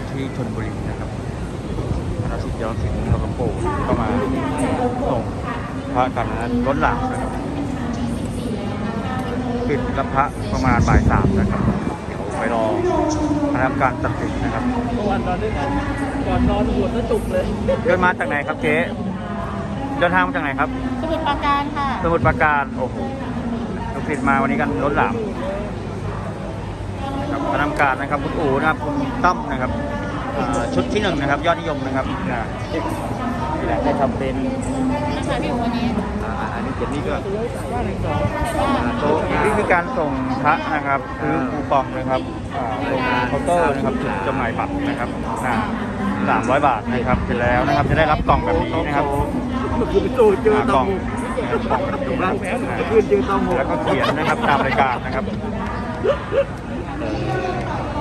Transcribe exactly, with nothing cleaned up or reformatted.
ที่ชลบุรีนะครับคณะสิทธิ์ย้อนสิงห์หลวงปู่ก็มาส่งพระกันนั้นล้นหลามนะครับปิดรับพระประมาณบ่ายสามนะครับเดี๋ยวไปรอคณะกรรมการตัดสินนะครับเมื่อวานนอนด้วยกันก่อนนอนหัวก็จุกเลยเดินมาจากไหนครับเจ๊เดินทางมาจากไหนครับสมุทรปราการค่ะสมุทรปราการโอ้โหลูกศิษย์มาวันนี้กันล้นหลามนะครับคณะกรรมการนะครับคุณอู๋นะครับคุณตั้มนะครับอ่าชุดที่หนึ่งนะครับยอดนิยมนะครับนะนี่แหละได้ทำเป็นนะคะพี่วันนี้อันนี้เจ็ดนี้ก็ว่าหนึ่งสองโต๊ะนี่คือการส่งพระนะครับซื้อคูปองนะครับอ่าตรงเคาน์เตอร์นะครับจุดจำหน่ายบัตรนะครับสามร้อยบาทนะครับเสร็จแล้วนะครับจะได้รับกล่องแบบนี้นะครับเมื่อคืนไปตู้เจออ่าตกล่อองงนะครับกล่องแบบนี้ร้านะนแหวนเมื่อคืนเจอตองหกแล้วก็เขียนนะครับตามรายการนะครับ